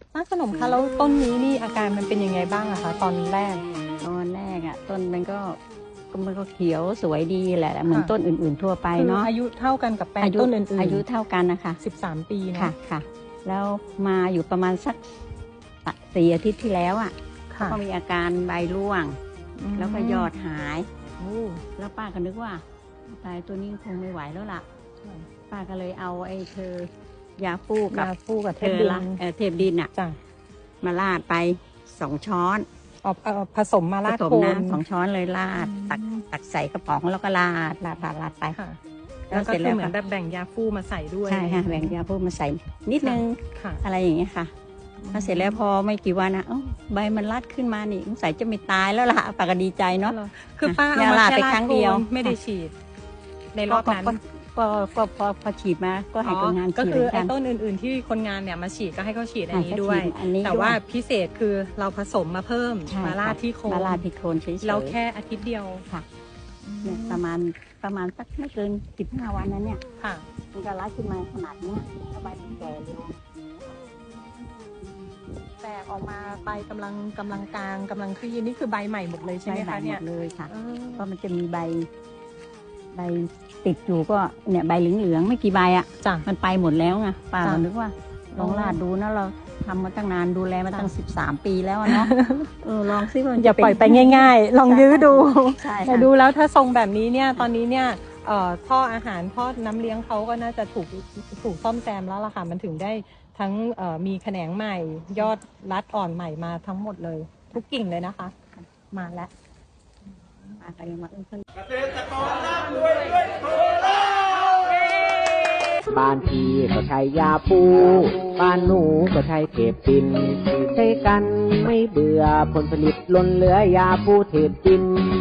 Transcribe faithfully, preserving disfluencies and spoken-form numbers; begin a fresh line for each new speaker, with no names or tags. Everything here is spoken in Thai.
ป้าขนมคะแล้วต้นนี้นี่อาการมันเป็นยังไงบ้างอะคะตอนแรก
ตอนแรกอ่ะต้นมันก็มันก็เขียวสวยดีแหละเหมือนต้นอื่นๆทั่วไปเนาะ
อายุเท่ากันกับแปลงต้นอื่นๆ
อายุเท่ากันนะคะ
สิบสามปีนะ
ค่ะค่ะแล้วมาอยู่ประมาณสักสี่อาทิตย์ที่แล้วอ่ะก็มีอาการใบร่วงแล้วก็ยอดหายแล้วป้าก็นึกว่าตายตัวนี้คงไม่ไหวแล้วล่ะป้าก็เลยเอาไอ้เธอยาฟูกับ
ยาฟูกับเทป
ดิ
น
เทปดินอ่ะมาลาดไปสองช้อน
ผสมมาลาด
โคนสองช้อนเลยลาดตักตักใส่กระป๋องแล้วก็ลาดลาดลาดลาดไป
แล้วก็คือเหมือนแบบแบ่งยาฟูมาใส่ด้วย
ใช่ค่ะแบ่งยาฟูมาใส่นิดนึงอะไรอย่างเงี้ยค่ะพอเสร็จแล้วพอไม่กี่วันนะใบมันรัดขึ้นมานี่สงสัยจะไม่ตายแล้วล่ะป้าก็ดีใจเนาะ
คือป้าเอามาแค่ลาดไปครั้งเดียวไม่ได้ฉีดในรอบนั้น
ก็ก็พอพอฉีดมาก็ให้คนงานฉีด
ก็คือไอ้ต้นอื่นๆที่คนงานเนี่ยมาฉีดก็ให้เขาฉีดอันนี้ด้วยแต่ว่าพิเศษคือเราผสมมาเพิ่มมาลาดที่โคน
มาลาดที่โคนเฉยๆ
เราแค่อาทิตย์เดียว
ค่ะเนี่ยประมาณประมาณสักไม่เกินสิบห้าวันนั้นเนี่ย
ค่ะ
มันก็รัดขึ้นมาขนาดนี้สบายดีแก่เลย
แตกออกมาใบกำลังกำลังกลางกำลังคลี่นี่คือใบใหม่หมดเลยใช่ไหมคะเนี่ย
เลยค่ะก็มันจะมีใบใบติดอยู่ก็เนี่ยใบเหลืองๆไม่กี่ใบอ่ะมันไปหมดแล้วไงป้านึกว่าลองลาดดูนะเราทำมาตั้งนานดูแลมาตั้งสิบสามปีแล้วเนาะเออลองซิว่า
อย่าปล่อยไปง่ายๆลองยื้อดูแต่ดูแล้วถ้าทรงแบบนี้เนี่ยตอนนี้เนี่ยท่ออาหารท่อน้ำเลี้ยงเขาก็น่าจะถูกถูกซ่อมแซมแล้วล่ะค่ะมันถึงได้ทั้งมีแขนงใหม่ยอดรัดอ่อนใหม่มาทั้งหมดเลยทุกกิ่งเลยนะคะมาแล้ว
เกษตรกรร่ำร
วยด้วยโคราชบ้านพี่ก็ใช้ยาปูบ้านหนูก็ใช้เทปดินใช้กันไม่เบื่อผลผลิตล้นเหลือยาปูเทปดิน